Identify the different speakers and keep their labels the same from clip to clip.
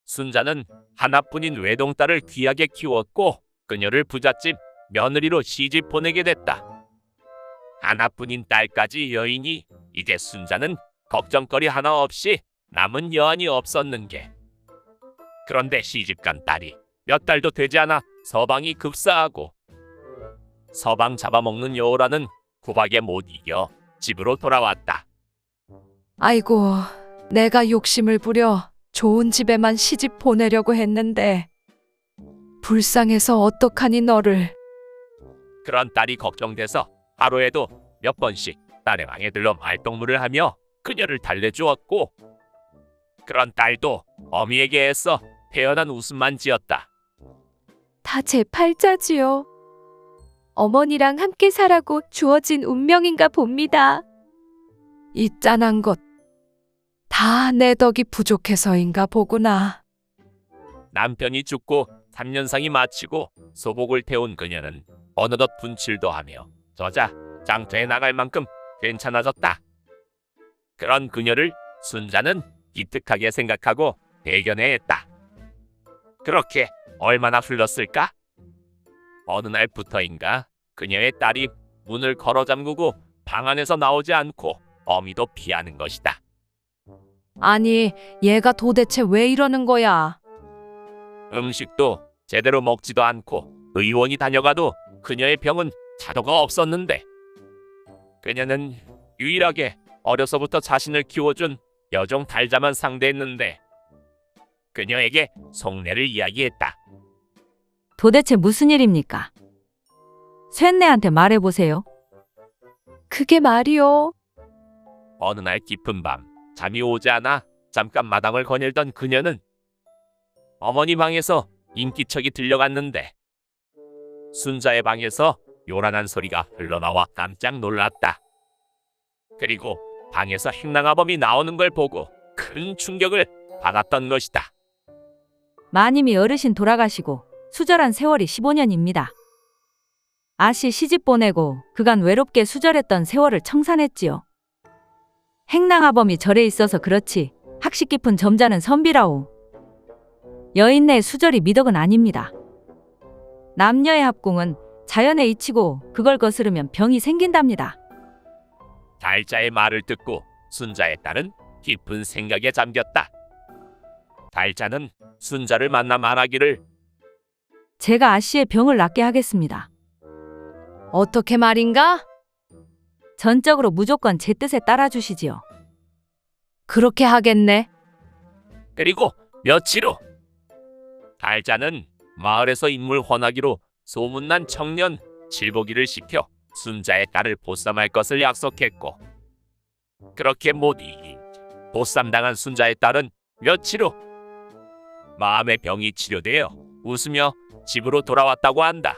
Speaker 1: 순자는 하나뿐인 외동딸을 귀하게 키웠고 그녀를 부잣집 며느리로 시집 보내게 됐다. 하나뿐인 딸까지 여인이 이제 순자는 걱정거리 하나 없이 남은 여한이 없었는 게. 그런데 시집간 딸이 몇 달도 되지 않아 서방이 급사하고 서방 잡아먹는 여우라는 구박에 못 이겨 집으로 돌아왔다.
Speaker 2: 아이고, 내가 욕심을 부려 좋은 집에만 시집 보내려고 했는데 불쌍해서 어떡하니 너를.
Speaker 1: 그런 딸이 걱정돼서 하루에도 몇 번씩 딸의 방에 들러 말동무를 하며 그녀를 달래주었고 그런 딸도 어미에게 애써 태연한 웃음만 지었다.
Speaker 2: 다 제 팔자지요. 어머니랑 함께 살라고 주어진 운명인가 봅니다. 이 짠한 것 다 내 덕이 부족해서인가 보구나.
Speaker 1: 남편이 죽고 3년상이 마치고 소복을 태운 그녀는 어느덧 분칠도 하며 저자 장터에 나갈 만큼 괜찮아졌다. 그런 그녀를 순자는 기특하게 생각하고 대견해했다. 그렇게 얼마나 흘렀을까? 어느 날부터인가 그녀의 딸이 문을 걸어 잠그고 방 안에서 나오지 않고 어미도 피하는 것이다.
Speaker 2: 아니, 얘가 도대체 왜 이러는 거야?
Speaker 1: 음식도 제대로 먹지도 않고 의원이 다녀가도 그녀의 병은 차도가 없었는데 그녀는 유일하게 어려서부터 자신을 키워준 여종 달자만 상대했는데 그녀에게 속내를 이야기했다.
Speaker 3: 도대체 무슨 일입니까? 쇳내한테 말해보세요.
Speaker 2: 그게 말이요.
Speaker 1: 어느 날 깊은 밤 잠이 오지 않아 잠깐 마당을 거닐던 그녀는 어머니 방에서 인기척이 들려갔는데 순자의 방에서 요란한 소리가 흘러나와 깜짝 놀랐다. 그리고 방에서 행랑아범이 나오는 걸 보고 큰 충격을 받았던 것이다.
Speaker 3: 마님이 어르신 돌아가시고 수절한 세월이 15년입니다. 아씨 시집 보내고 그간 외롭게 수절했던 세월을 청산했지요. 행랑아범이 절에 있어서 그렇지 학식 깊은 점잖은 선비라오. 여인네의 수절이 미덕은 아닙니다. 남녀의 합궁은 자연의 이치고 그걸 거스르면 병이 생긴답니다.
Speaker 1: 달자의 말을 듣고 순자의 딸은 깊은 생각에 잠겼다. 달자는 순자를 만나 말하기를
Speaker 3: 제가 아씨의 병을 낫게 하겠습니다.
Speaker 2: 어떻게 말인가?
Speaker 3: 전적으로 무조건 제 뜻에 따라주시지요.
Speaker 2: 그렇게 하겠네.
Speaker 1: 그리고 며칠 후 달자는 마을에서 인물 헌하기로 소문난 청년 칠보기를 시켜 순자의 딸을 보쌈할 것을 약속했고 그렇게 못 이긴 보쌈당한 순자의 딸은 며칠 후 마음의 병이 치료되어 웃으며 집으로 돌아왔다고 한다.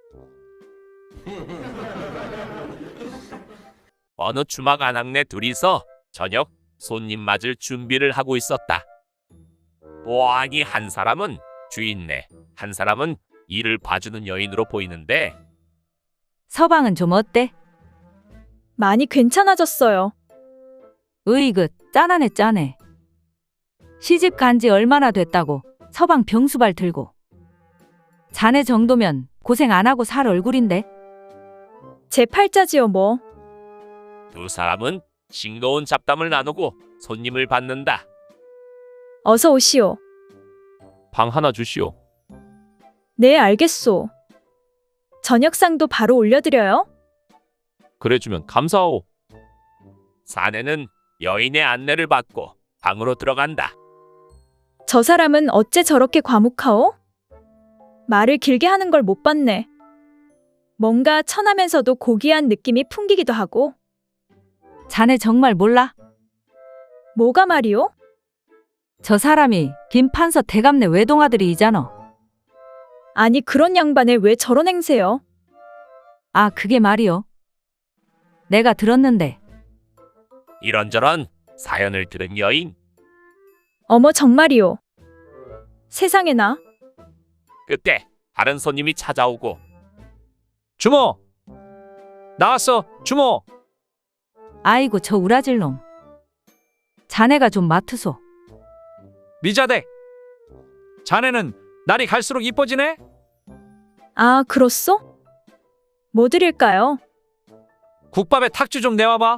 Speaker 1: 어느 주막 안악내 둘이서 저녁 손님 맞을 준비를 하고 있었다. 보아하니 한 사람은 주인네, 한 사람은 일을 봐주는 여인으로 보이는데
Speaker 3: 서방은 좀 어때?
Speaker 4: 많이 괜찮아졌어요.
Speaker 3: 으이그 짠하네 짠해. 시집 간지 얼마나 됐다고 서방 병수발 들고. 자네 정도면 고생 안 하고 살 얼굴인데.
Speaker 4: 제 팔자지요 뭐.
Speaker 1: 두 사람은 싱거운 잡담을 나누고 손님을 받는다.
Speaker 4: 어서 오시오.
Speaker 1: 방 하나 주시오.
Speaker 4: 네, 알겠소. 저녁상도 바로 올려드려요.
Speaker 1: 그래주면 감사하오. 사내는 여인의 안내를 받고 방으로 들어간다.
Speaker 4: 저 사람은 어째 저렇게 과묵하오? 말을 길게 하는 걸 못 봤네. 뭔가 천하면서도 고귀한 느낌이 풍기기도 하고.
Speaker 3: 자네 정말 몰라?
Speaker 4: 뭐가 말이오?
Speaker 3: 저 사람이 김판서 대감네 외동아들이잖아.
Speaker 4: 아니, 그런 양반을 왜 저런 행세요?
Speaker 3: 아, 그게 말이요. 내가 들었는데.
Speaker 1: 이런저런 사연을 들은 여인.
Speaker 4: 어머, 정말이오. 세상에나.
Speaker 1: 그때 다른 손님이 찾아오고
Speaker 5: 주모! 나왔어, 주모!
Speaker 3: 아이고 저 우라질 놈. 자네가 좀 맡으소.
Speaker 5: 미자대! 자네는 날이 갈수록 이뻐지네?
Speaker 4: 아, 그렇소? 뭐 드릴까요?
Speaker 5: 국밥에 탁주 좀 내와봐.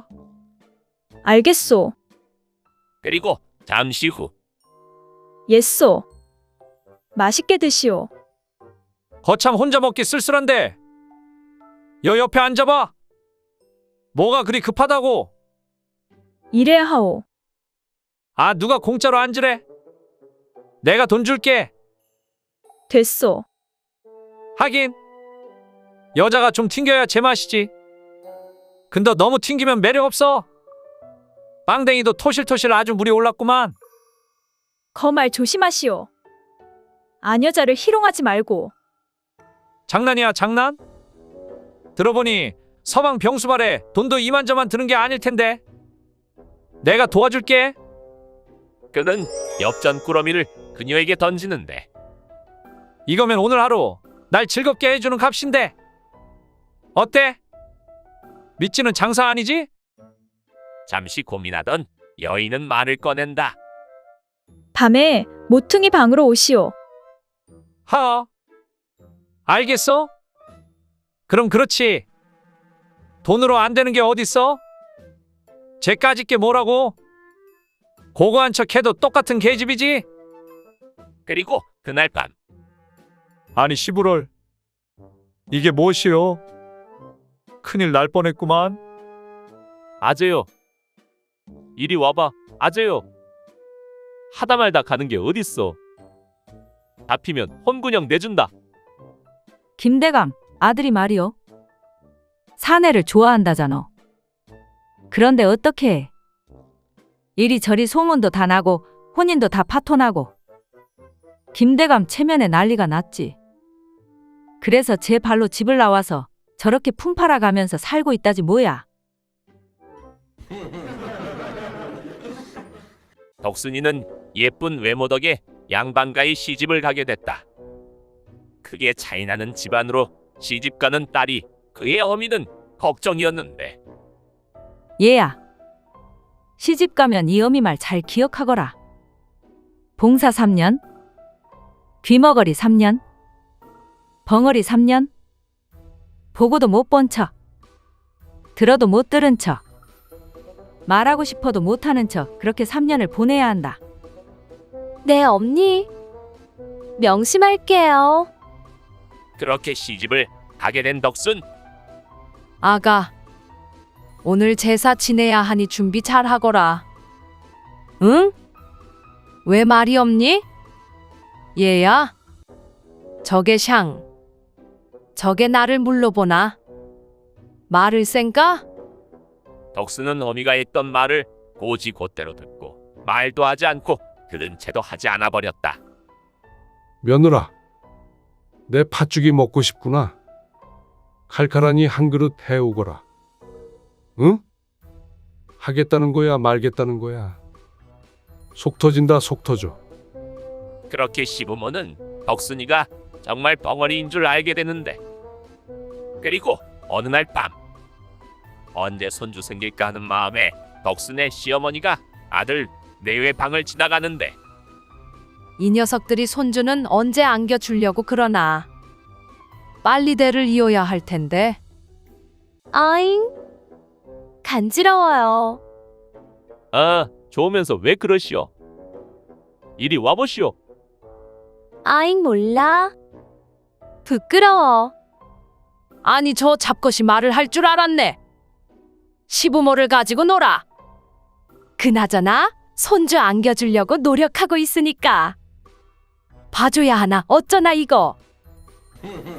Speaker 4: 알겠소.
Speaker 1: 그리고 잠시 후
Speaker 4: 예소. 맛있게 드시오.
Speaker 5: 거참 혼자 먹기 쓸쓸한데. 여 옆에 앉아봐. 뭐가 그리 급하다고?
Speaker 4: 이래야 하오.
Speaker 5: 아, 누가 공짜로 앉으래? 내가 돈 줄게.
Speaker 4: 됐소.
Speaker 5: 하긴 여자가 좀 튕겨야 제맛이지. 근데 너무 튕기면 매력 없어. 빵댕이도 토실토실 아주 물이 올랐구만.
Speaker 4: 거말 조심하시오. 아녀자를 희롱하지 말고.
Speaker 5: 장난이야, 장난? 들어보니 서방 병수발에 돈도 이만저만 드는 게 아닐 텐데. 내가 도와줄게.
Speaker 1: 그는 엽전 꾸러미를 그녀에게 던지는데
Speaker 5: 이거면 오늘 하루 날 즐겁게 해주는 값인데. 어때? 믿지는 장사 아니지?
Speaker 1: 잠시 고민하던 여인은 말을 꺼낸다.
Speaker 4: 밤에 모퉁이 방으로 오시오.
Speaker 5: 하. 알겠어? 그럼 그렇지. 돈으로 안 되는 게 어딨어? 쟤까짓 게 뭐라고? 고고한 척 해도 똑같은 계집이지?
Speaker 1: 그리고 그날 밤
Speaker 5: 아니 시부럴, 이게 무엇이요? 큰일 날 뻔했구만.
Speaker 1: 아재요. 이리 와봐. 아재요. 하다 말다 가는 게 어딨어. 잡히면 혼군형 내준다.
Speaker 3: 김대감, 아들이 말이요. 사내를 좋아한다잖아. 그런데 어떻게 해? 이리저리 소문도 다 나고 혼인도 다 파토나고. 김대감 체면에 난리가 났지. 그래서 제 발로 집을 나와서 저렇게 풍파라 가면서 살고 있다지 뭐야.
Speaker 1: 덕순이는 예쁜 외모 덕에 양반가의 시집을 가게 됐다. 크게 차이나는 집안으로 시집가는 딸이 그의 어미는 걱정이었는데
Speaker 3: 얘야, 시집 가면 이 어미 말 잘 기억하거라. 봉사 3년, 귀머거리 3년, 벙어리 3년, 보고도 못 본 척, 들어도 못 들은 척, 말하고 싶어도 못하는 척 그렇게 3년을 보내야 한다.
Speaker 2: 네, 엄니. 명심할게요.
Speaker 1: 그렇게 시집을 가게 된 덕순.
Speaker 2: 아가, 오늘 제사 지내야 하니 준비 잘 하거라. 응? 왜 말이 없니? 얘야, 저게 샹. 저게 나를 물러보나? 말을 쌩까?
Speaker 1: 덕순은 어미가 했던 말을 고지곧대로 듣고 말도 하지 않고 들은 채도 하지 않아 버렸다.
Speaker 6: 며느라, 내 팥죽이 먹고 싶구나. 칼칼하니 한 그릇 해오거라. 응? 하겠다는 거야, 말겠다는 거야. 속 터진다, 속 터져.
Speaker 1: 그렇게 시부모는 덕순이가 정말 벙어리인 줄 알게 되는데 그리고 어느 날 밤 언제 손주 생길까 하는 마음에 덕순의 시어머니가 아들 내외 방을 지나가는데
Speaker 2: 이 녀석들이 손주는 언제 안겨주려고 그러나. 빨리 대를 이어야 할 텐데. 아잉, 간지러워요.
Speaker 1: 아 좋으면서 왜 그러시오? 이리 와보시오.
Speaker 2: 아잉, 몰라. 부끄러워. 아니, 저 잡것이 말을 할 줄 알았네. 시부모를 가지고 놀아. 그나저나 손주 안겨주려고 노력하고 있으니까 봐줘야 하나 어쩌나 이거.